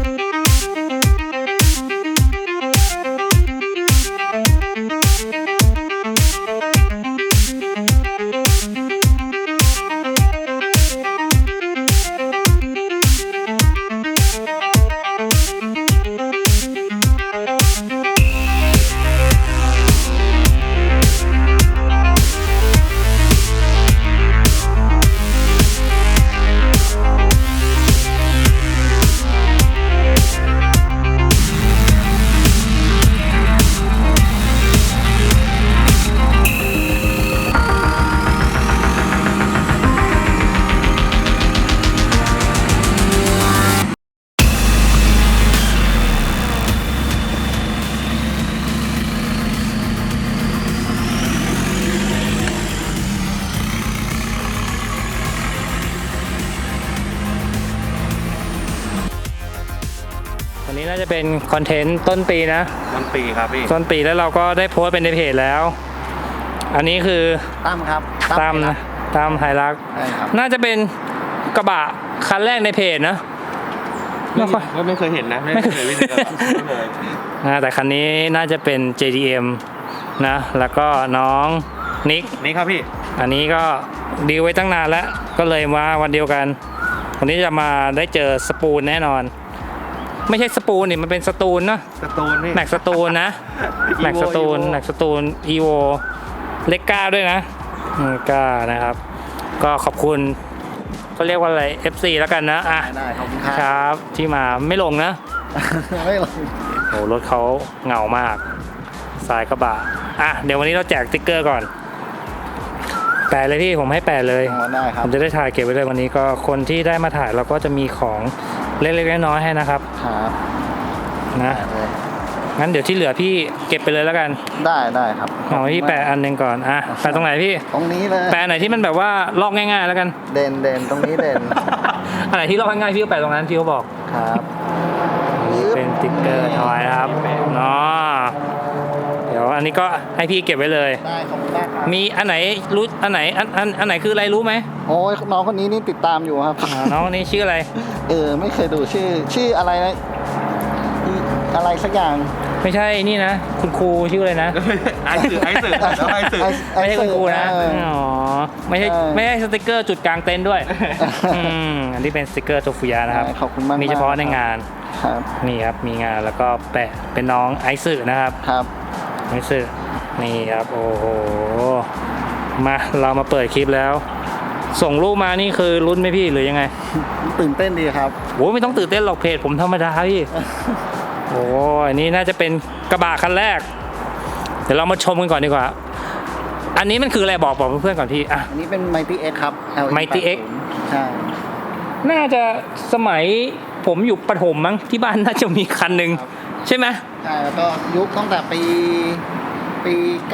วันนี้น่าจะเป็นคอนเทนต์ต้นปีนะต้นปีครับพี่ต้นปีแล้วเราก็ได้โพสต์เป็นในเพจแล้ว อันนี้คือตั้มครับตั้มนะตั้มไฮรักน่าจะเป็นกระบะคันแรกในเพจนะไม่เคยเห็นนะไม่เคยแต่คันนี้น่าจะเป็น JDM นะแล้วก็น้องนิกครับพี่อันนี้ก็ดีลไว้ตั้งนานแล้วก็เลยมาวันเดียวกันวันนี้จะมาได้เจอสปูนแน่นอนไม่ใช่สปูนนี่มันเป็นสตูนเนาะสตูนนี่แม็กสตูนนะแม็กสตูนอีโวเล็กก้าด้วยนะก้านะครับก็ขอบคุณเขาเรียกว่าอะไร FC แล้วกันนะได้ขอบคุณครับที่มาไม่ลงนะไม่ลงโอ้รถเขาเหงามากสายกระบะเดี๋ยววันนี้เราแจกสติ๊กเกอร์ก่อนแปะเลยพี่ผมให้แปะเลยได้ครับผมจะได้ถ่ายเก็บไว้เลยวันนี้ก็คนที่ได้มาถ่ายเราก็จะมีของเล็กๆน้อยๆให้นะครับครับนะงั้นเดี๋ยวที่เหลือพี่เก็บไปเลยแล้วกันได้ครับเอาพี่แปะอันหนึ่งก่อนแปะตรงไหนพี่ตรงนี้เลยแปะไหนที่มันแบบว่าลอกง่ายๆแล้วกันเด่นตรงนี้เด่นอันไหนที่ลอกง่ายๆพี่ก็แปะตรงนั้นพี่เขาบอกครับเป็นสติ๊กเกอร์ทอยครับเนาะเดี๋ยวอันนี้ก็ให้พี่เก็บไว้เลยได้ขอบคุณมากครับมีอันไหนรู้อันไหนอันไหนคืออะไรรู้ไหมโอ้ยน้องคนนี้นี่ติดตามอยู่ครับน้องคนนี้ชื่ออะไรไม่เคยดูชื่ออะไรนะอะไรสักอย่างไม่ใช่นี่นะคุณครูชื่ออะไรนะไอสื่อไม่ใช่คุณครูนะไม่ใช่สติกเกอร์จุดกลางเต็นท์ด้วยอันนี้เป็นสติกเกอร์โซฟูยานะครับขอบคุณมากมีเฉพาะในงานนี่ครับมีงานแล้วก็แปะเป็นน้องไอซ์นะครับไอซ์นี่ครับโอ้โหมาเรามาเปิดคลิปแล้วส่งรูปมานี่คือลุ้นไหมพี่หรือยังไงตื่นเต้นดีครับโอ้ไม่ต้องตื่นเต้นหรอกเพจผมธรรมดาพี่โอ้อันนี้น่าจะเป็นกระบะคันแรกเดี๋ยวเรามาชมกันก่อนดีกว่าอันนี้มันคืออะไรบอกเพื่อนๆก่อนพี่อันนี้เป็น Mighty X ครับ Mighty X ใช่น่าจะสมัยผมอยู่ประถมมั้งที่บ้านน่าจะมีคันหนึ่งใช่ไหมใช่แล้วก็ยุคตั้งแต่ปี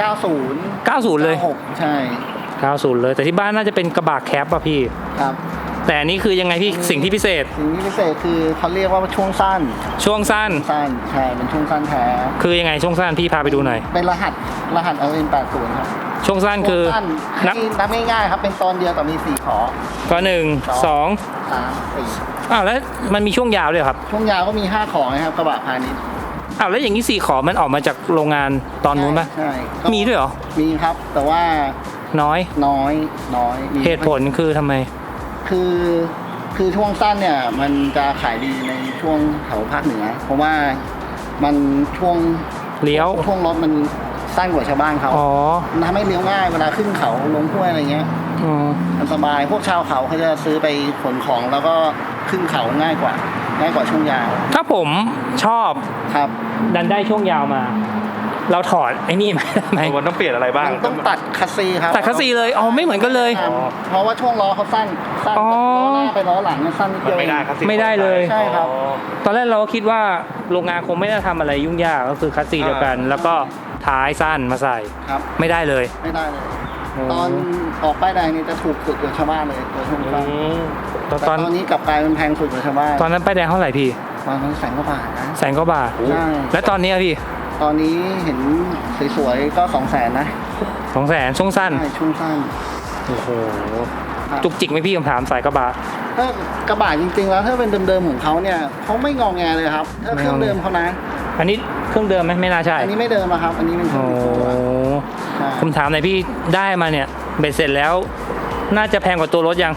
90 เลยใช่ 90เลยแต่ที่บ้านน่าจะเป็นกระบะแคปป่ะพี่ครับแต่อันนี้คือยังไงพี่สิ่งที่พิเศษคือเขาเรียกว่าช่วงสั้นใช่เป็นช่วงสั้นแท้คือยังไงช่วงสั้นพี่พาไปดูหน่อยเป็นรหัสLN80 ครับช่วงสั้นคือนับง่ายๆครับเป็นตอนเดียวแต่มี4ขอก็1 2 3 4แล้วมันมีช่วงยาวด้วยครับช่วงยาวก็มี5ขอนะครับกระบะพาณิชย์แล้วอย่างนี้4ขอมันออกมาจากโรงงานตอนนู้นป่ะใช่มีด้วยเหรอมีครับแต่ว่าน้อยเหตุผลคือทำไมคือช่วงสั้นเนี่ยมันจะขายดีในช่วงแถวภาคเหนือเพราะว่ามันช่วงเลี้ยวช่วงรถมันสั้นกว่าชาวบ้านเขาทำให้เลี้ยวง่ายเวลาขึ้นเขาลงห้วยอะไรเงี้ยมันสบายพวกชาวเขาจะซื้อไปขนของแล้วก็ขึ้นเขาง่ายกว่าช่วงยาวถ้าผมชอบครับดันได้ช่วงยาวมาเราถอดไอ้นี่ไหมมันต้องเปลี่ยนอะไรบ้างต้องตัดคัสซีครับตัดคัสซีเลยไม่เหมือนกันเลยเพราะว่าช่วงล้อเขาสั้นล้อหน้าไปล้อหลังสั้นนิดเดียวไม่ได้เลยใช่ครับตอนแรกเราก็คิดว่าโรงงานคงไม่ได้ทำอะไรยุ่งยากก็คือคัสซีเดียวกันแล้วก็ท้ายสั้นมาใส่ไม่ได้เลยตอนออกป้ายแดงนี่จะถูกสุดกว่าชาวบ้านเลยตัวช่วงสั้นตอนนี้กลับกลายเป็นแพงสุดกว่าชาวบ้านตอนนั้นป้ายแดงเท่าไหร่พี่ตอนนั้น100,000 กว่าบาทนะ 100,000 กว่าบาทแล้วตอนนี้พี่ตอนนี้เห็นสวยๆก็200,000นะ 200,000ช่วงสั้นช่วงสั้นโอ้โหจุกจิกไหมพี่คำถามสายกระบะถ้ากระบะจริงๆแล้วถ้าเป็นเดิมๆของเขาเนี่ยเขาไม่งอแงเลยครับถ้าเครื่องเดิมเขานะอันนี้เครื่องเดิมไหมไม่น่าใช่อันนี้ไม่เดิมอะครับ อันนี้เป็นเครื่โอ้องตัวใช่ผมถามหน่อยพี่ได้มาเนี่ยเบ็ดเสร็จแล้ว น่าจะแพงกว่าตัวรถยัง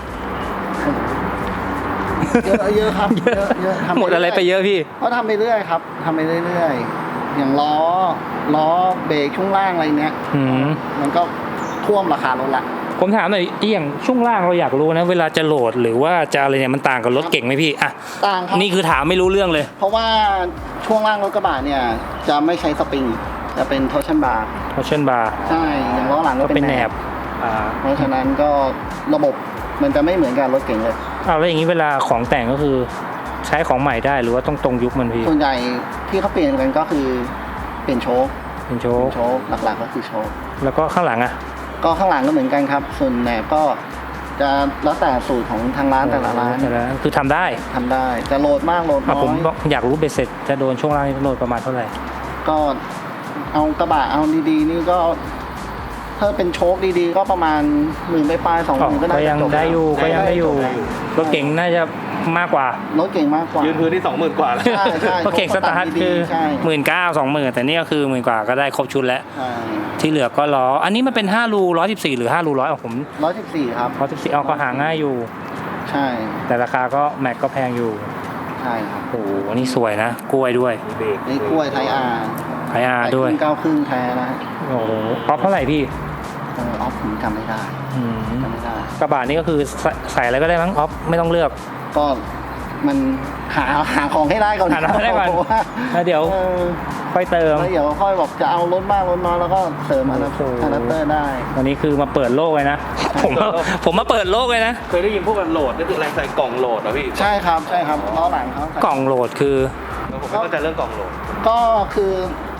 เยอะครับเยอะทำหมดอะไรไปเยอะพี่เขาทำไปเรื่อยครับทำไปเรื่อยๆอย่างล้อเบรกช่วงล่างอะไรเนี้ยอืมมันก็ท่วมราคารถละผมถามหน่อยอย่างช่วงล่างเราอยากรู้นะเวลาจะโหลดหรือว่าจะอะไรเนี่ยมันต่างกับรถเก่งไหมพี่อ่ะต่างครับนี่คือถามไม่รู้เรื่องเลยเพราะว่าช่วงล่างรถกระบะเนี่ยจะไม่ใช้สปริงจะเป็นทอร์ชันบาร์เพราะเช่นบาร์ใช่อย่างล้อหลังก็ก็เป็เป็น นแหแหนนบบเพราะฉะนั้นก็ระบบมันจะไม่เหมือนกับรถเก่งเลยเอาแล้วอย่างนี้เวลาของแต่งก็คือใช้ของใหม่ได้หรือว่าต้องตรงยุคมันพี่ส่วนใหญ่ที่เขาเปลี่ยนกันก็คือเปลี่ยนโชคเป็นโชเปลี่ว์ยนโชคหลักๆก็คือโชคแล้วก็ข้างหลังอ่ะก็ข้างหลังก็เหมือนกันครับ ส่วนแหนบก็จะแล้วแต่สูตรของทางร้านแต่ละร้านแต่ละคือทำได้ทำได้ จะโหลดมากโหลดอ่ะน้อผมยบอกอยากรู้เบ็ดเสร็จจะโดนช่วงล่างนี่โหลดประมาณเท่าไหร่ก็เอากระบะเอาดีๆนี่ก็ถ้าเป็นโชคดีๆ ก็ประมาณ10,000ไปๆ20,000ก็ก็ยังจบได้อยู่แล้วก็ยังได้อยู่รถเก่งน่าจะมากกว่ารถเก่งมากกว่ายืนพื้นที่ 20,000 กว่าแล้วใช่ใช่รถเก่งสตาร์ทคือใช่ 19,000-20,000แต่นี่ก็คือ10,000กว่าก็ได้ครบชุดแล้วใช่ที่เหลือก็ล้ออันนี้มันเป็น5รู114หรือ5รู100ของผม 114ครับ 114เอาก็หาง่ายอยู่ใช่แต่ราคาก็แม็กก็แพงอยู่ใช่ครับโอ้โหนี่สวยนะกล้วยด้วยนี่กล้วยไทยอาร์ไออาร์ด้วย 9 ครึ่งแท้นะโอ้โหป๊อปเท่าไหร่พี่ออฟผมจำไม่ได้อืมจำไม่ได้กระบะนี่ก็คือใส่อะไรก็ได้มั้งออฟไม่ต้องเลือกก็มันหาของให้ได้ก่อนหาของให้ได้ก่อนเพราะว่าแล้วเดี๋ยวเออค่อยเติมแล้วเดี๋ยวค่อยบอกจะเอารถมากรถน้อยแล้วก็เสริมอะแดปโอ้โหเตอร์ได้วันนี้คือมาเปิดโลกเลยนะ ผมมาเปิดโลกเลยนะเคยได้ยินพวกกันโหลดนี่คืออะไรใส่กล่องโหลดเหรอพี่ใช่ครับใช่ครับล้อหลังเขากล่องโหลดคือผมไม่เข้าใจเรื่องกล่องโหลดก็คือ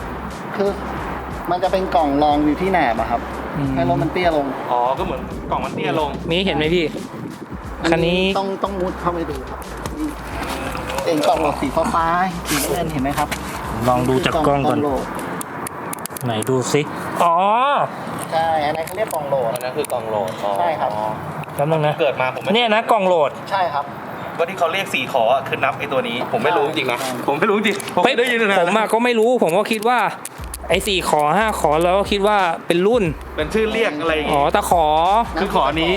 มันจะเป็นกล่องรองอยู่ที่แหนบอะครับอืมให้รถมันเตี้ยลงอ๋อ ก็เหมือนกล่องมันเตี้ยลงมีเห็นไหมพี่ คันนี้ต้องมุดเข้าไปดูครับนี่เป็นกล่องโหลดสีฟ้าๆสีน้ำเงินเห็นไหมครับลองดูจากกล้องก่อนโหลดไหนดูสิอ๋อใช่อันนั้นเขาเรียกกล่องโหลดอันนั้นคือกล่องโหลดอ๋อใช่ครับแป๊บนึงนะเกิดมาผมไม่เนี่ยนะกล่องโหลดใช่ครับว่าที่เขาเรียก4 ขออะคือนับไอ้ตัวนี้ ผมไม่รู้จริงๆนะ ผมไม่รู้จริงผมได้ยินนะผมอะก็ไม่รู้ผมก็คิดว่าไอ้4 ขอ 5 ขอแล้วก็คิดว่าเป็นรุ่นเป็นชื่อเรียกอะไรอย่างอ๋องี้ตะขอคือขอนี้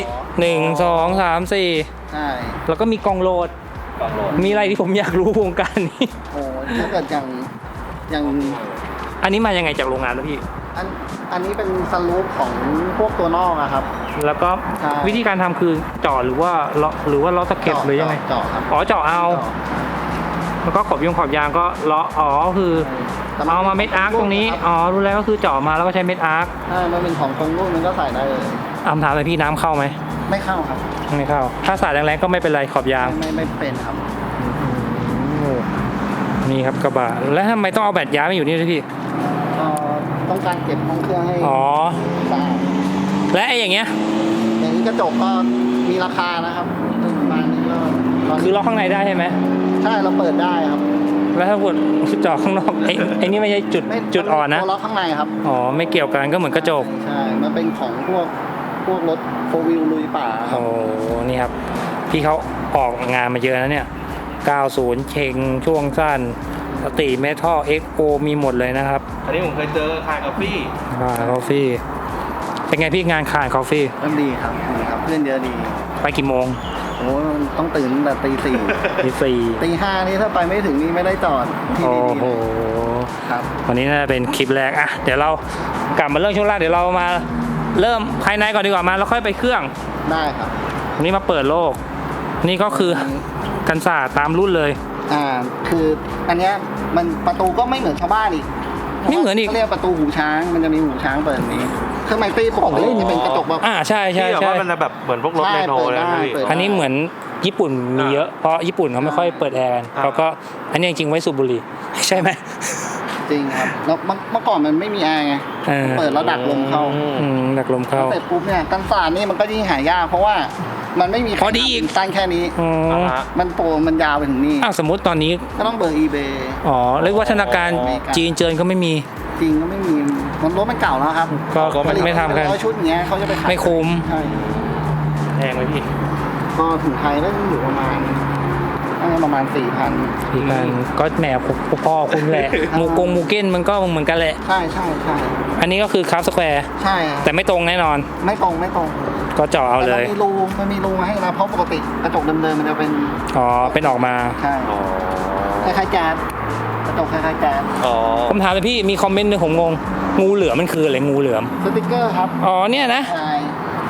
1 2 3 ใช่ 4 แล้วก็มีกล่องโหลดกล่องโหลดมีอะไรที่ผมอยากรู้วงการนี้โอ้ถ้าเกิดอย่างอันนี้มายังไงจากโรงงานแล้วพี่อันนี้เป็นสลูปของพวกตัวนอกอะครับแล้วก็ใช่วิธีการทำคือเจาะหรือว่าเลาะหรือว่าเลาะตะเข็บหรือยังไงเจาะครับอ๋อเจาะเอา แล้วก็ขอบยางก็เลาะอ๋อคือเอามาเม็ดอาร์คตรงนี้อ๋อรู้แล้วก็คือเจาะมาแล้วก็ใช้เม็ดอาร์คถ้ามันเป็นของตรงรุ่นมันก็ใส่ได้เลยถามเลยพี่น้ำเข้าไหมไม่เข้าครับไม่เข้า ถ้าสาดแรงๆก็ไม่เป็นไรขอบยางไม่เป็นครับโอ้นี่ครับกระบะแล้วทำไมต้องเอาแบตยางมาอยู่นี่ด้วยพี่ต้องการเก็บห้องเครื่องให้อ๋อสะอาดและไอ้อย่างเงี้ยอย่างนี้กระจกก็มีราคานะครับประมาณนี้ก็ตนนี้คือล็อกข้างในได้ใช่ไหมใช่เราเปิดได้ครับแล้วถ้าเกิดเจาะข้างนอกไอ้นี่ไม่ใช่จุดอ่อนนะตัวล็อกข้างในครับอ๋อไม่เกี่ยวกันก็เหมือนกระจกใช่มันเป็นของพวกรถโฟวิลลุยป่าครัโอ้บนี่ครับพี่เขาออกงานมาเยอะนะเนี่ย 90 เชงช่วงสั้นสติเมทัลเอ็กโอมีหมดเลยนะครับอันนี้ผมเคยเจอคายกาแฟคาคอฟฟี่เป็นไงพี่งานคานคอฟฟี่เริ่มดีครับดีครับ เพื่อนเยอะดีไปกี่โมงโอ้ต้องตื่นตั้งแต่ตีสี่ตีสี่ตีห้านี่ถ้าไปไม่ถึงนี่ไม่ได้จอดที่โอ้ดีๆโหเลยครับวันนี้น่าจะเป็นคลิปแรกอะเดี๋ยวเรากลับมาเรื่องช่วงแรกเดี๋ยวเรามาเริ่มภายในก่อนดีกว่ามาแล้วค่อยไปเครื่องได้ครับวันนี้มาเปิดโลก นี่ก็คือกันศาสตร์ตามรุ่นเลยคืออันเนี้ยมันประตูก็ไม่เหมือนชาวบ้านอีกไม่เหมือนอีกเขาเรียกประตูหูช้าง มันจะมีหูช้างเปิดแบบนี้เครื่องไมตี้ปกติจะเป็นกระจกแบบใช่ใช่ที่แบบใช่ว่ามันจะแบบเหมือนพวกรถใช่เรโนเปิดเลยได้นะพี่เปิดอันนี้เหมือนญี่ปุ่นมีเยอะเพราะญี่ปุ่นเขาไม่ค่อยเปิดแอร์กันอ่าเขาก็อันนี้จริงๆไว้สูบบุหรี่ใช่ไหมจริงครับแล้วเมื่อก่อนมันไม่มีแอร์ไงเออเปิดแล้วดักลมเข้าดักลมเข้าเสร็จปุ๊บเนี่ยกันศาสตร์นี่มันก็ยิ่งหายากเพราะว่ามันไม่มีพอดีอีกสั้นแค่นี้อ๋ออ่าฮะมันโปรมันยาวไปถึงนี่สมมติตอนนี้ก็ต้องเบอร์ eBay อ๋อเรียกวัฒนาการอ๋อจีนเจินก็ไม่มีจริงก็ไม่มีมันรถมันเก่าแล้วครับก็ไม่ทำกันร้อยชุดอย่างเงี้ยเขาจะไปขายไม่คุ้มใช่แพงไหมพี่ก็ถึงไทยก็ต้องอยู่ประมาณ4,000 พี่กันก็แหมพ่อคุณแหละมูเก้นมันก็เหมือนกันแหละใช่อันนี้ก็คือคราฟสแควร์ใช่ครับแต่ไม่ตรงแน่นอนไม่ตรงก็เจาะเอาเลยแต่มันมีรูมาให้นะเพราะปกติกระจกเดิมๆมันจะเป็นอ๋อเป็นออกมาใช่อ๋อคล้ายๆแจ๊สกระจกคล้ายๆแจ๊สอ๋อผมถามเลยพี่มีคอมเมนต์หนึงผมงงงูเหลือมมันคืออะไรงูเหลือมสติกเกอร์ครับอ๋อเนี่ยนะใช่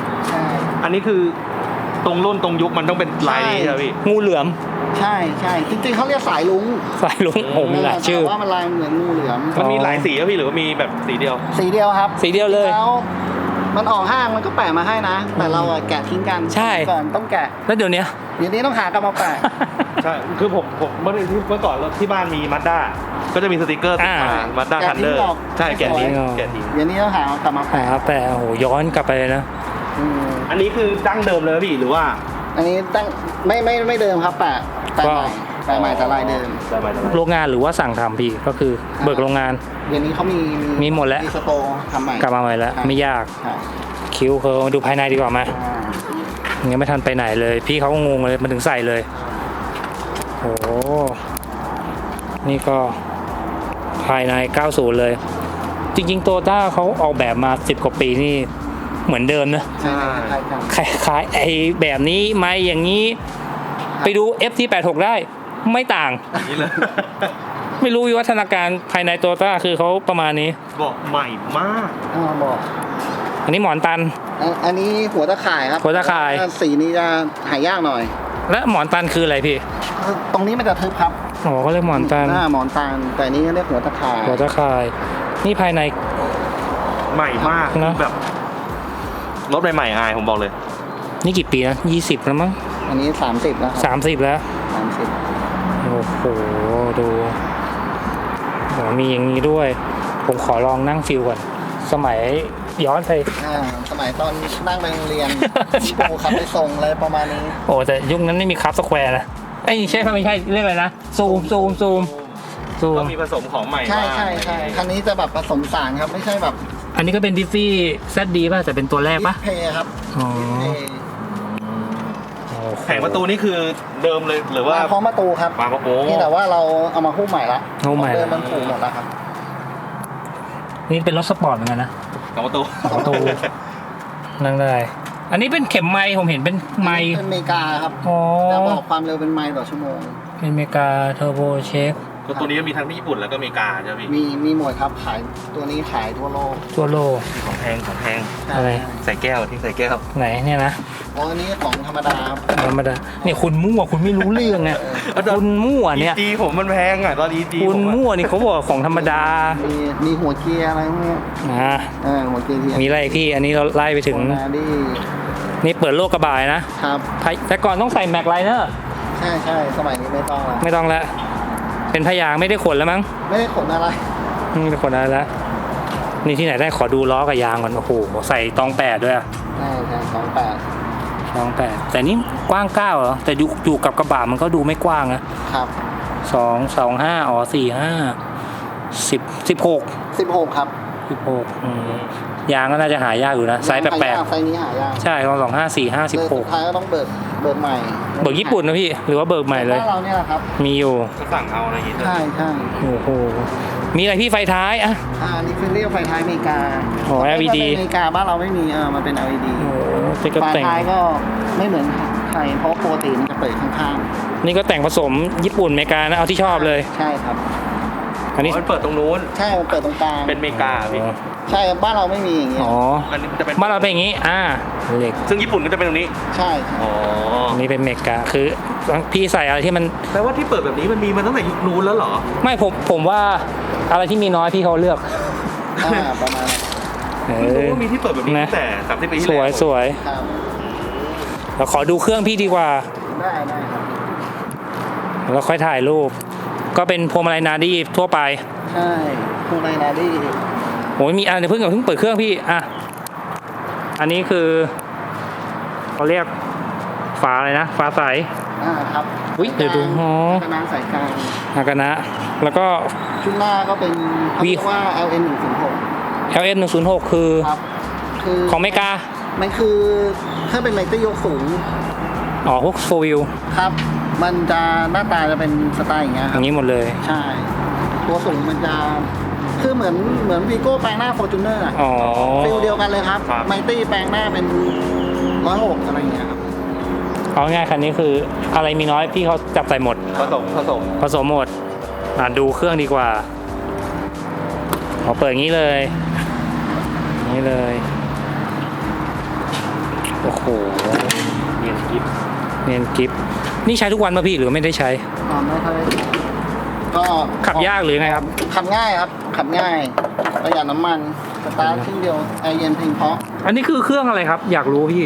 อันนี้คือตรงรุ่นตรงยุคมันต้องเป็นลายนี้ใช่ไหมพี่งูเหลือมใช่จริงๆเขาเรียกสายลุงสายลุงโอ้มีหลายชื่อแต่ว่ามันลายเหมือนงูเหลือมมันมีหลายสีครับพี่หรือว่ามีแบบสีเดียวสีเดียวครับสีเดียวเลยแล้วมันออกห้างมันก็แปะมาให้นะ แต่เราอะแกะทิ้งกันใช่ก่อนต้องแกะแล้วเดี๋ยวนี้เดี๋ยวนี้ต้องหากลับมาแปะใช่ คือผมเมื่อก่อนที่บ้านมีมาด้าก็จะมีสติกเกอร์ติดมามาด้าแกะทันทิ้เดงอร์ออกใช่แกะทิ้งสวยแกะทิ้งเดี๋ยวนี้ต้องหากลับมาหาแปะแต่โอ้โหย้อนกลับไปเลยนะอืมอันนี้คือดั้งเดิมเลยพี่หรือว่าอันนี้ตั้งไม่เดิมครับแปะใหม่แต่ลายเดิมได้ไหมโรงงานหรือว่าสั่งทำพี่ก็คือเบิกโรงงานเดี๋ยวนี้เขามีมีหมดแล้วมีสโตร์ทำใหม่กลับมาใหม่แล้วใช่ไม่ยากใช่คิ้วเขาดูภายในดีกว่ามาอ่ายังไม่ทันไปไหนเลย พี่เขาก็งงเลยมันถึงใส่เลยโอ้นี่ก็ภายใน 90 เลย จริงๆโตต้าเขาออกแบบมา10 กว่าปีนี่เหมือนเดิมนะใช่คล้ายกันคล้ายๆไอ้แบบนี้ไม่อย่างนี้ ไปดู FT86 ได้ไม่ต่างอย่างนี้เลยไม่รู้วิวัฒนาการภายในโตต้าคือเขาประมาณนี้บอกใหม่มากบอกอันนี้หมอนตันอันนี้หัวตะข่ายครับหัวตะข่ายสีนี้จะหายากหน่อยและหมอนตันคืออะไรพี่ตรงนี้มันจะทึบครับอ๋อเขาเรียกหมอนตันหมอนตันแต่อันนี้เรียกหัวตะข่ายหัวตะข่าย นี่ภายในใหม่มากนะแบบรถใหม่ๆอายผมบอกเลยนี่กี่ปีนะ20 แล้วมั้งอันนี้30แล้วครับ 30 แล้ว 30 โอ้โห ดูโหมีอย่างนี้ด้วย ผมขอลองนั่งฟิลก่อน สมัยย้อนไปสมัยตอนนั่งไปโรงเรียนใช่ครูขับไปส่งอะไรประมาณนี้โอ้แต่ยุคนั้นไม่มีคัพสแควร์นะไอ้ยใช่ไม่ใช่เรียกอะไรนะ ซูมก็มีผสมของใหม่ใช่บ้างคันนี้จะแบบผสมสารครับไม่ใช่แบบอันนี้ก็เป็นดิฟฟี่แซดดีป่ะแต่เป็นตัวแรกป่ะเพย์ครับอ๋อเพย์แผงประตูนี่คือเดิมเลยหรือว่ามาพร้อมประตูครับมาโอ้นี่แต่ว่าเราเอามาหุ้มใหม่ละหุ้มใหม่ละเดิมมันถูกหมดแล้วครับนี่เป็นรถสปอร์ตเหมือนกันนะของประตูประตูนั่งได้ อันนี้เป็นเข็มไม้ผมเห็นเป็นไม้เป็นอเมริกาครับอ๋อจะบอกความเร็วเป็นไมล์ต่อชั่วโมงเป็นอเมริกาเทอร์โบเช็คตัวนี้ก็มีทั้งที่ญี่ปุ่นแล้วก็อเมริกาใช่ไหมพี่มีหมดครับขายตัวนี้ขายทั่วโลกตัวโลของแพงอะไรใส่แก้วที่ใส่แก้วไหนเนี่ยนะอ๋ออันนี้ของธรรมดาครับธรรมดาเนี่ยคุณมั่วคุณไม่รู้เรื่องไงคุณมั่วเนี่ย EG ผมมันแพงอ่ะตอน EG คุณผมอะมั่วนี่เขาบอกของธรรมดามีหัวเกียร์อะไรพวกเนี้ยอ่าหัวเกียร์เทียมมีอะไรอีกพี่ อันนี้เราไล่ไปถึงโคนาดี้นี่เปิดโลกกระบายนะครับ แต่ก่อนต้องใส่แม็กไลเนอร์ใช่สมัยนี้ไม่ต้องละไม่ต้องแล้วเป็นพยางค์ไม่ได้ขนแล้วมั้งไม่ได้ขนอะไรไม่ได้ขนอะไรแล้วนี่ที่ไหนได้ขอดูล้อกับยางก่อนโอ้โหใส่ตอง8ด้วยอะใช่28 ตอง8แต่นี่กว้าง9เหรอแต่อยู่กับกระบะมันก็ดูไม่กว้างนะครับ 225อ๋อ45 16 ครับยางก็น่าจะหายากอยู่นะไซส์แปลกไซส์นี้หายากๆใช่ของ254 สุดท้ายก็ต้องเบิกใหม่ 56เบิกญี่ปุ่นนะพี่หรือว่าเบิกใหม่เลยบ้านเราเนี่ยแหละครับมีอยู่ก็สั่งเอาอะไรอย่างงี้ใช่โอ้โหมีอะไรพี่ไฟท้ายอะนี่คือเรียกไฟท้ายอเมริกาอ๋อ LED อเมริกาบ้านเราไม่มีมันเป็น LED โอ้โหนี่ก็ไฟแต่งท้ายก็ไม่เหมือนไทยเพราะปกติมันจะเปิดข้างนี่ก็แต่งผสมญี่ปุ่นอเมริกานะเอาที่ชอบเลยๆใช่ครับอันนี้มันเปิดตรงนู้นใช่มันเปิดตรงกลางเป็นอเมริกาพี่ใช่ครับบ้านเราไม่มีอย่างเงี้ยอ๋ออันนี้จะเป็นบ้านเราเป็นอย่างนี้เหล็กซึ่งญี่ปุ่นก็จะเป็นตรงนี้ใช่อ๋ออันนี้เป็นอเมริกาคือพี่ใส่อะไรที่มันแปลว่าที่เปิดแบบนี้มันมีมาตั้งแต่ยุคนู้นแล้วเหรอไม่ผมว่าอะไรที่มีน้อยพี่เขาเลือกประมาณนั้นเอเพิ่งรู้อว่ามีที่เปิดแบบนี้นะตั้งแต่30 ปีที่สแล้ววยสวยครับเราขอดูเครื่องพี่ดีกว่าได้ครับแล้วค่อยถ่ายรูป ก็เป็นพวงมาลัยนาดี้ทั่วไปใช่คูไนนาดี้โอ้ยมีเดี๋ยวเพิ่งเปิดเครื่องพี่อันนี้คือเขาเรียกฝาอะไรนะฝาใสครับอุ๊ยเดี๋ยวดูอ๋อกระน้ำสายกลางอากานะแล้วก็ชุดหน้าก็เป็นเขาเรียกว่า LN 106 LS 106คือครับคือของอเมริกามันคือถ้าเป็นไมเตอร์ยกสูงอ๋อพวกโฟวิลครับ มันจะหน้าตาจะเป็นสไตล์อย่างเงี้ยอครับย่างนี้หมดเลยใช่ ตัวสูงมันจะคือเหมือนวีโก้แปลงหน้า Fortuner อะอ๋อฟิลเดียวกันเลยครับครับไมตี้แปลงหน้าเป็น106อะไรอย่างเงี้ยครับเอาง่ายคันนี้คืออะไรมีน้อยพี่เขาจับใส่หมดผสมผสมหมดดูเครื่องดีกว่าเปิดอย่างนี้เลยนี่เลยโอ้โหเนียนกิฟเนียนกิฟนี่ใช้ทุกวันป่ะพี่หรือไม่ได้ใช้ไม่ค่อยก็ขับยากหรือไงครับขับง่ายครับ ขับง่ายประหยัดน้ำมันสตาร์ทชิ้นเดียวแอร์เย็นเพียงเพราะอันนี้คือเครื่องอะไรครับ อยากรู้พี่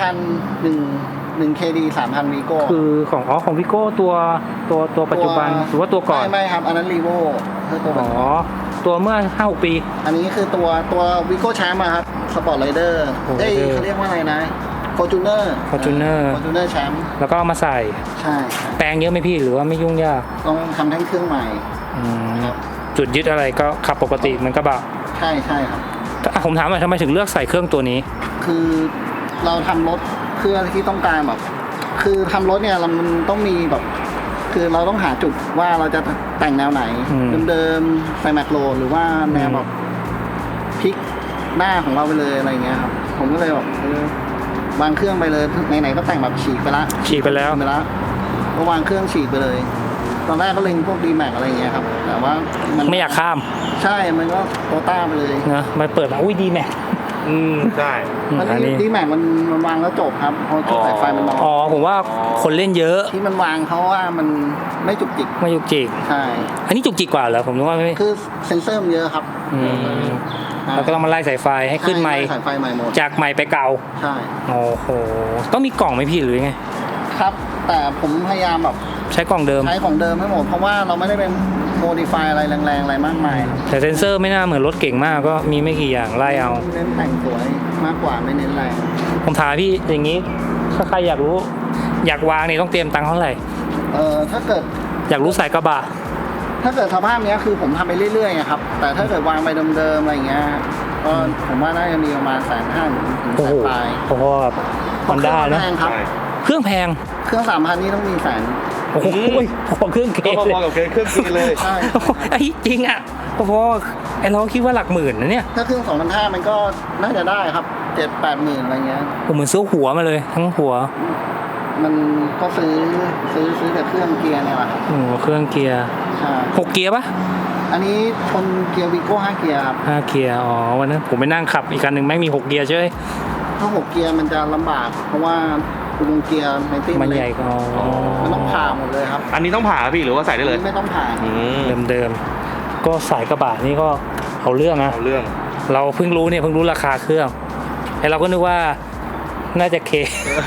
3,001 KD 3,000 วีโก้คือของพี่โก้ตัวปัจจุบันหรือว่าตัวก่อนไม่ครับ อันนั้นรีโวคือตัวอ๋อตัวเมื่อ 5-6 ปีอันนี้คือตัววีโก้แชมป์ครับสปอร์ตไรเดอร์ Sport เอ้ย Rider เขาเรียกว่าอะไรนะฟอร์จูเนอร์ Fortuner แชมป์แล้วก็เอามาใส่ใช่ครับแปลงเยอะไหมพี่หรือว่าไม่ยุ่งยากต้องทำแท่งเครื่องใหม่อืมครับจุดยึดอะไรก็ขับปกติมันก็บะใช่ครับผมถามหน่อยทำไมถึงเลือกใส่เครื่องตัวนี้คือเราทำรถเพื่อที่ต้องการแบบ คือทำรถเนี่ยมันต้องมีแบบ คือเราต้องหาจุดว่าเราจะแต่งแนวไหนอืมเดิมๆใส่แมคโลหรือว่าแนวแบบพลิกหน้าของเราไปเลยอะไรเงี้ยครับผมก็เลยแบบวางเครื่องไปเลยไหนๆก็แต่งแบบฉีกไปละฉีกไปแล้วก็วางเครื่องฉีกไปเลย ตอนแรกก็เล็งพวกดีแม็กอะไรเงี้ยครับ แต่ว่ามันไม่อยากข้ามใช่มันก็โตต้าไปเลยนะมาเปิดมาอุ้ยดีแม็กใช่มันอันนี้ดีแม็กมันวางแล้วจบครับเพราะจุดสายไฟมันน้อยอ๋อผมว่าคนเล่นเยอะที่มันวางเพราะว่ามันไม่จุกจิกไม่ยุกจิกใช่อันนี้จุกจิกกว่าเหรอผมนึกว่าไม่คือเซ็นเซอร์มันเยอะครับอืมแล้วก็ต้องมาไล่สายไฟให้ขึ้นไมค์สายไฟใหม่หมดจากไมค์ไปเก่าใช่โอ้โหต้องมีกล่องไหมพี่หรือไงครับ แต่ผมพยายามแบบใช้กล่องเดิมใช้ของเดิมให้หมดเพราะว่าเราไม่ได้เป็นโมดิฟายอะไรแรงๆอะไรมากมายครับแต่เซนเซอร์ไม่น่าเหมือนรถเก่งมากก็มีไม่กี่อย่างไล่เอาเน้นแต่งสวยมากกว่าไม่เน้นแรงผมถามพี่อย่างนี้ถ้าใครอยากรู้ อยากวางนี่ต้องเตรียมตังค์เท่าไหร่ถ้าเกิดอยากรู้สายกระบะสภาพเนี้ยคือผมทำไปเรื่อยๆอะครับ แต่ถ้าเกิดวางไปเดิมๆอะไรเงี้ยก็ผมว่าน่าจะมีประมาณ150,000ถึงโอ้โห 100,000ปลายพอๆกับฮอนด้านะเครื่องแพงครับใช่เครื่องแพงเครื่อง3,000นี่ต้องมีแสนโอ้โหพอเครื่องเกก็เลยพอๆกับเครื่องกินเลยใช่ไอ้จริงอ่ะพอไอ้เราคิดว่าหลักหมื่นนะเนี่ยถ้าเครื่อง2,500มันก็น่าจะได้ครับ7-8 หมื่นอะไรเงี้ยผมเหมือนซื้อหัวมาเลยทั้งหัวมันก็ซื้อแต่เครื่องเกียร์เนี่ยแหละครับเครื่องเกียร์ใช่ 6 เกียร์ปะอันนี้ชนเกียร์วีโก้5เกียร์ครับ 5 เกียร์อ๋อวันนั้นผมไปนั่งขับอีกคันหนึ่งไม่งมี 6 เกียร์ใช่ไหมถ้า6เกียร์มันจะลำบาก เพราะว่าอุโมงค์เกียร์ไมตี้มันใหญ่ก็มันต้องผ่าหมดเลยครับอันนี้ต้องผ่าพี่หรือว่าใส่ได้เลยไม่ต้องผ่าเดิมๆก็สายกระบะนี่ก็เอาเรื่องนะเอาเรื่องเราเพิ่งรู้ราคาเครื่องไอเราก็นึกว่าน่าจะเค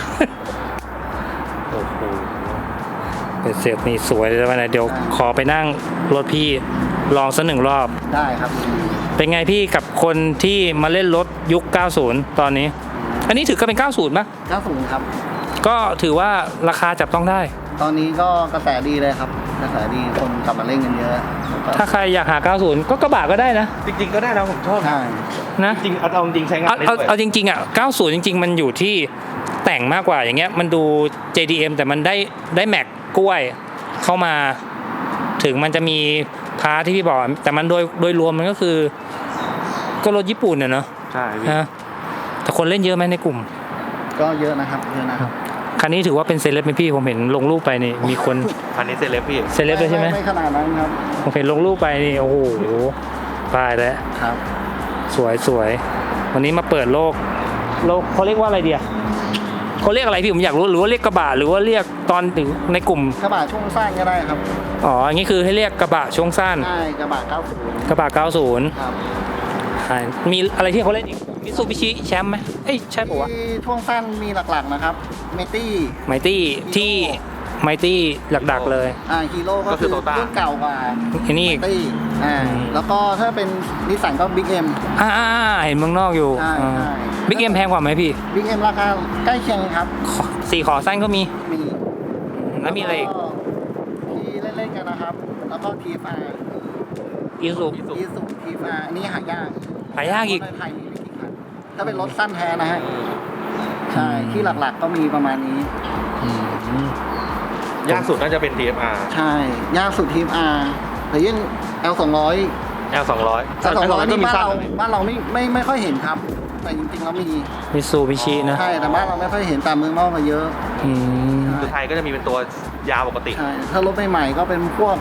โอ้โหเป็นเสร็จนี่สวยเลยวันไหนเดี๋ยวขอไปนั่งรถพี่ลองสัก1 รอบได้ครับเป็นไงพี่กับคนที่มาเล่นรถยุค 90 ตอนนี้ อันนี้ถือก็เป็น 90มั้ย 90ครับก็ถือว่าราคาจับต้องได้ตอนนี้ก็กระแสดีเลยครับ กระแสดีคนกลับมาเล่นกันเยอะถ้าใครอยากหา 90 ก็กระบะก็ได้นะจริงๆก็ได้นะผมชอบใช่นะจริงเอาจริงใช้งานได้ด้วยเอาจริงๆอ่ะ 90 จริง ๆ มันอยู่ที่แต่งมากกว่าอย่างเงี้ย มันดู JDM แต่มันได้แม็กกล้วยเข้ามา ถึงมันจะมีพาร์ทที่พี่บอก แต่มันโดยรวมมันก็คือ ก็รถญี่ปุ่นเนอะใช่พี่นะแต่คนเล่นเยอะไหมในกลุ่มก็เยอะนะครับเยอะนะครับคันนี้ถือว่าเป็นเซเลบไหมพี่ผมเห็นลงรูปไปนี่มีคนอันนี้เซเลบพี่เซเลบเลยใช่ไหมไม่ขนาดนั้นครับผมเห็นลงรูปไปนี่โอ้โหตายแล้วครับสวยวันนี้มาเปิดโลกเขาเรียกว่าอะไรเดียเขาเรียกอะไรพี่ผมอยากรู้หรือว่าเรียกกระบะหรือว่าเรียกตอนถึงในกลุ่มกระบะช่วงสั้นก็ได้ครับอ๋ออย่างนี้คือให้เรียกกระบะช่วงสั้นใช่กระบะ90 กระบะ 90 ครับมีอะไรที่เขาเล่นอีกมิตซูบิชิแชมป์ไหมเอ้ยใช่ปะวะที่ช่วงสั้นมีหลักๆนะครับเมตี้ไมตี้ที่ไมตี้หลักๆเลยฮีโร่ก็คือรุ่นเก่ากว่าอันนี้อีกตี้แล้วก็ถ้าเป็นนิสสันก็บิ๊กเอ็มเห็นเมืองนอกอยู่ใช่ใช่บิ๊กเอ็มแพงกว่าไหมพี่บิ๊กเอ็มราคาใกล้เคียงครับ 4 ขอสั้นก็มีมีแล้วมีอะไรอีกที่เล่นๆกันนะครับ แล้วก็ทีฟาอีซูอีสุทีฟาอันนี้หายากหายากอีกรถในไทยมีไม่กี่คันถ้าเป็นรถสั้นแท้นะฮะใช่ที่หลักๆก็มีประมาณนี้ยากสุดน่าจะเป็น TFR ใช่ยากสุดทีม R แต่ยัง L200 L200 L200 ก็นี่มีบ้านสั้นเราบ้านเราไม่ค่อยเห็นครับ แต่จริงๆแล้วมีมิซูบิชินะใช่แต่บ้านเราไม่ค่อยเห็นตามเมืองนอกมาเยอะอืมคือไทยก็จะมีเป็นตัวยาวปกติใช่ถ้ารถใหม่ๆก็เป็นพวก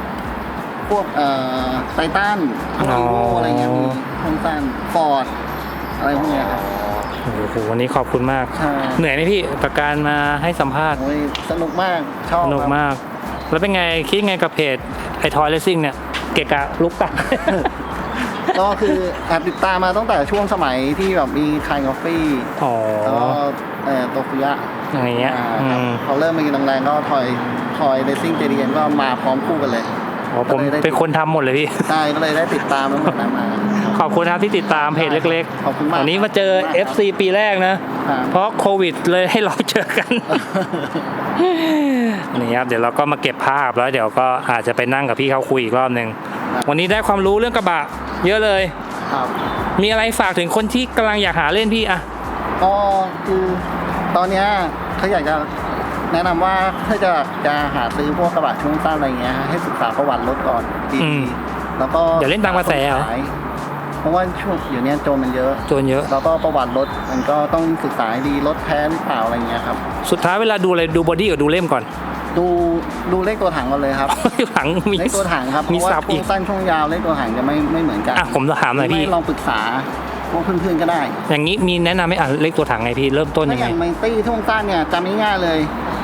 ไททันพวกอ๋ออีโวอะไรเงี้ยมีสั้นฟอร์ดอะไรพวกเนี้ยครับโอ้โหวันนี้ขอบคุณมากใช่เหนื่อยไหมพี่กับการมาให้สัมภาษณ์โอ้ยสนุกมากชอบสนุกครับมาก แล้วเป็นไงคิดไงกับเพจไอทอยเลสซิ่งเนี่ย เกะกะลุกตักก็คือแอบติดตามมาตั้งแต่ช่วงสมัยที่แบบมีคายกาแฟอ๋อแล้วก็โตคุยะอย่างเงี้ยครับพอเริ่มมากินแรงๆก็ทอยเรซิ่งเจดีเอ็นก็มาพร้อมคู่กันเลยอ๋อผมเป็นคนทำหมดเลยพี่ใช่ก็เลยได้ติดตามตั้งแต่นั้นมาขอบคุณครับที่ติดตามเพจเล็กขอบคุณมากวันนี้มาเจอ FC ปีแรกนะครับเพราะโควิดเลยให้เราเจอกัน นี่ครับเดี๋ยวเราก็มาเก็บภาพแล้วเดี๋ยวก็อาจจะไปนั่งกับพี่เขาคุยอีกรอบหนึ่งครับวันนี้ได้ความรู้เรื่องกระบะเยอะเลยครับมีอะไรฝากถึงคนที่กำลังอยากหาเล่นพี่อะก็คือตอนเนี้ยเขาอยากจะแนะนำว่าถ้าจะหาซื้อพวกกระบะช่วงสั้นอะไรเงี้ยให้ศึกษาประวัติรถก่อนดีๆแล้วก็อย่าเล่นตามกระแสเหรอเพราะว่าช่วงเดี๋ยวนี้โจรมันเยอะโจนเยอะแล้วก็ประวัติรถมันก็ต้องศึกษาให้ดีรถแท้หรือเปล่าอะไรเงี้ยครับสุดท้ายเวลาดูอะไรดูบอดี้กับดูเล่มก่อนดูเลขตัวถังก่อนเลยครับหลังมีเลขตัวถังครับเพมีราะว่าสับช่อีวกงสั้นช่วงยาวเลขตัวถังจะไม่เหมือนกันอ่ะผมถามหน่อยพี่ไม่ลองปรึกษาพวกเพื่อนๆก็ได้อย่างนี้มีแนะนำไหมอ่ะเลขตัวถังไงพี่เริ่มต้นถ้ายังอไงย่างไมตี้ช่วงสั้นเนี่ยจำง่ายๆเลย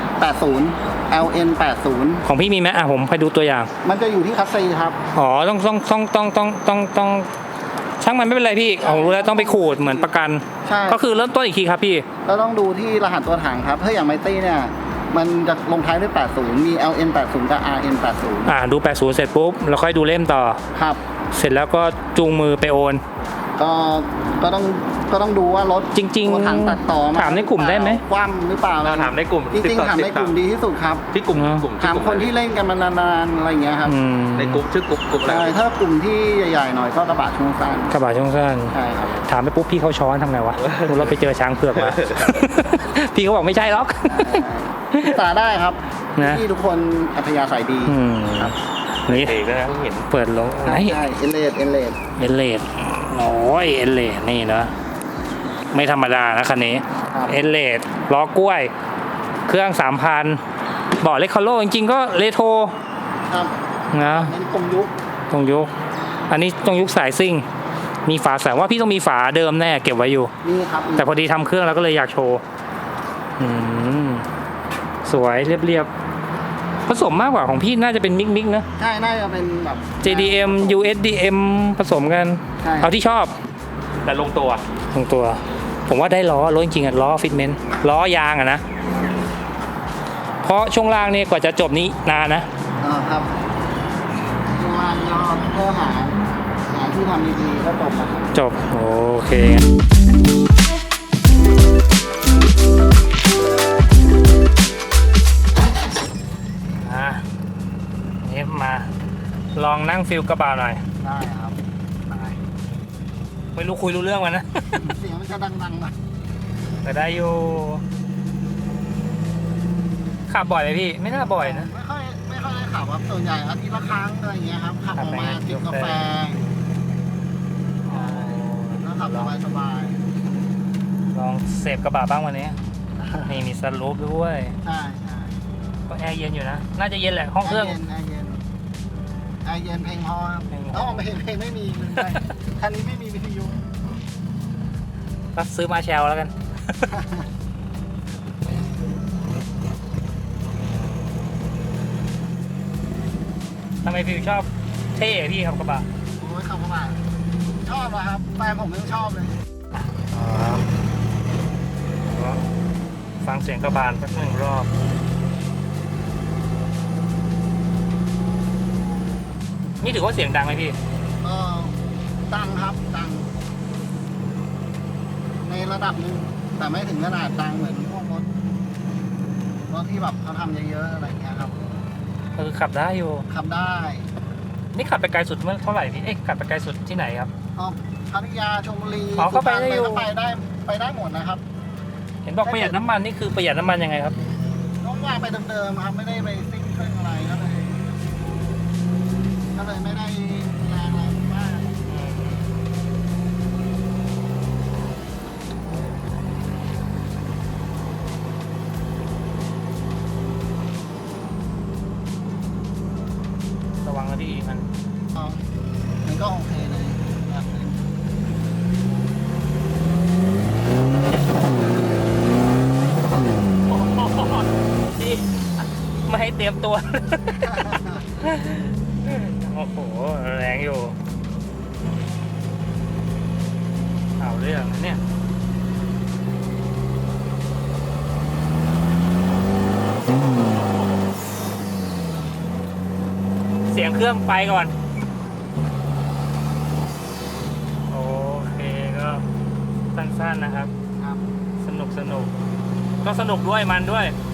80 LN 80 ของพี่มีไหมอ่ะผมไปดูตัวอย่างมันจะอยู่ที่คัสซีครับอ๋อต้องช่างมันไม่เป็นไรพี่ผมรู้แล้วต้องไปขูดเหมือนประกันใช่ก็คือเริ่มต้นอีกทีครับพี่เราต้องดูที่รหัสตัวถังครับถ้าอย่างไมตี้เนี่ยมันจะลงท้ายด้วย 80 มี LN 80 กับ RN 80 ดู80เสร็จปุ๊บแล้วค่อยดูเล่มต่อครับเสร็จแล้วก็จูงมือไปโอนก็ต้องดูว่ารถจริงๆตัวถังตัดต่อถามในกลุ่มได้ไหมคว่ำหรือเปล่าเราถามในกลุ่มจริงๆถามในกลุ่มดีที่สุดครับที่กลุ่มถามคนที่เล่นกันมานานๆอะไรอย่างเงี้ยครับอืมในกลุ่มชื่อกลุ่มอะไรใช่ถ้ากลุ่มที่ใหญ่ๆหน่อยก็กระบะช่วงสั้นกระบะช่วงสั้นใช่ครับถามไปปุ๊บพี่เขาช้อนทำไงวะเราไปเจอช้างเผือกมา พี่เขาบอกไม่ใช่หรอกศึกษาได้ครับนะที่ทุกคนอัธยาศัยดีอืมครับนี่เอกนะเพิ่งเห็นเปิดลงไหนใช่เอเลดเอเลดโอ้ยเอเลดนี่เนอะไม่ธรรมดานะคันนี้ครับเอเลดล้อกล้วย เครื่อง 3,000บอกเลคคาโลจริงๆก็เรโทรครับนะเป็นกลมยุคตรงยุค อันนี้ตรงยุคสายซิ่ง มีฝาแสงว่าพี่ต้องมีฝาเดิมแน่เก็บไว้อยู่นี่ครับแต่พอดีทำเครื่องแล้วก็เลยอยากโชว์อืมสวยเรียบๆผสมมากกว่าของพี่น่าจะเป็นมิกนะใช่น่าจะเป็นแบบ JDM USDM ผสมกันใช่เอาที่ชอบแต่ลงตัวตรงตัว ผมว่าได้ล้อรถจริงๆอะล้อฟิตเมนต์ล้อยางอะนะ เพราะช่วงล่างนี่กว่าจะจบนี้นานนะครับข้างล่างก็เพื่อหาที่ทำดีๆก็จบแล้วครับจบโอเคนี่มาลองนั่งฟิลกระบะหน่อยได้ครับได้ไม่รู้คุยรู้เรื่องมันนะเสียงมันจะดังๆหน่อยแต่ได้อยู่ขับบ่อยไหมพี่ ไม่น่าบ่อยนะไม่ค่อยได้ขับครับส่วนใหญ่อาทิตย์ละครั้งอะไรอย่างเงี้ยครับขับออกมาจิบกาแฟแล้วขับสบายลองเสพกระบะบ้างวันนี้ นี่มีสลูปด้วยๆใช่ใช่ก็แอร์เย็นอยู่นะ น่าจะเย็นแหละห้องเครื่องแอร์เย็นเพลงพอครับเพลงพอต้องเพลงไม่มีลืมไปคันนี้ไม่มีวิทยุก็ซื้อมาแชลแล้วกัน ทำไมฟิวชอบเท่อะพี่ครับกระบะโอ้ยขับเข้ามาชอบนะครับแฟนผมยังชอบเลยฟังเสียงกระบาลสักหนึ่งรอบ นี่ถือว่าเสียงดังไหมพี่ก็ดังครับดังในระดับหนึ่งแต่ไม่ถึงขนาดดังเหมือนพวกรถที่แบบเขาทำเยอะๆอะไรเงี้ยครับขับได้อยู่ขับได้นี่ขับไปไกลสุดเมื่อเท่าไหร่พี่ เอ๊ะขับไปไกลสุดที่ไหนครับพัทยาชลบุรีอ๋อก็ไปได้อยู่สุพรรณไปได้หมดนะครับเห็นบอกประหยัดน้ำมันนี่คือประหยัดน้ำมันยังไงครับน้องว่างไปเดิมๆครับไม่ได้ไปซิ่งเครื่องอะไรก็เลยไม่ได้แรงอะไรมากระวังนะพี่มันมันก็โอเคเลยครับที่ไม่ให้เตรียมตัว โอ้โหแรงอยู่เอาเรื่องนะเนี่ยเสียงเครื่องไปก่อน โอเคก็สั้นๆนะครับครับสนุกก็สนุกด้วยมันด้วย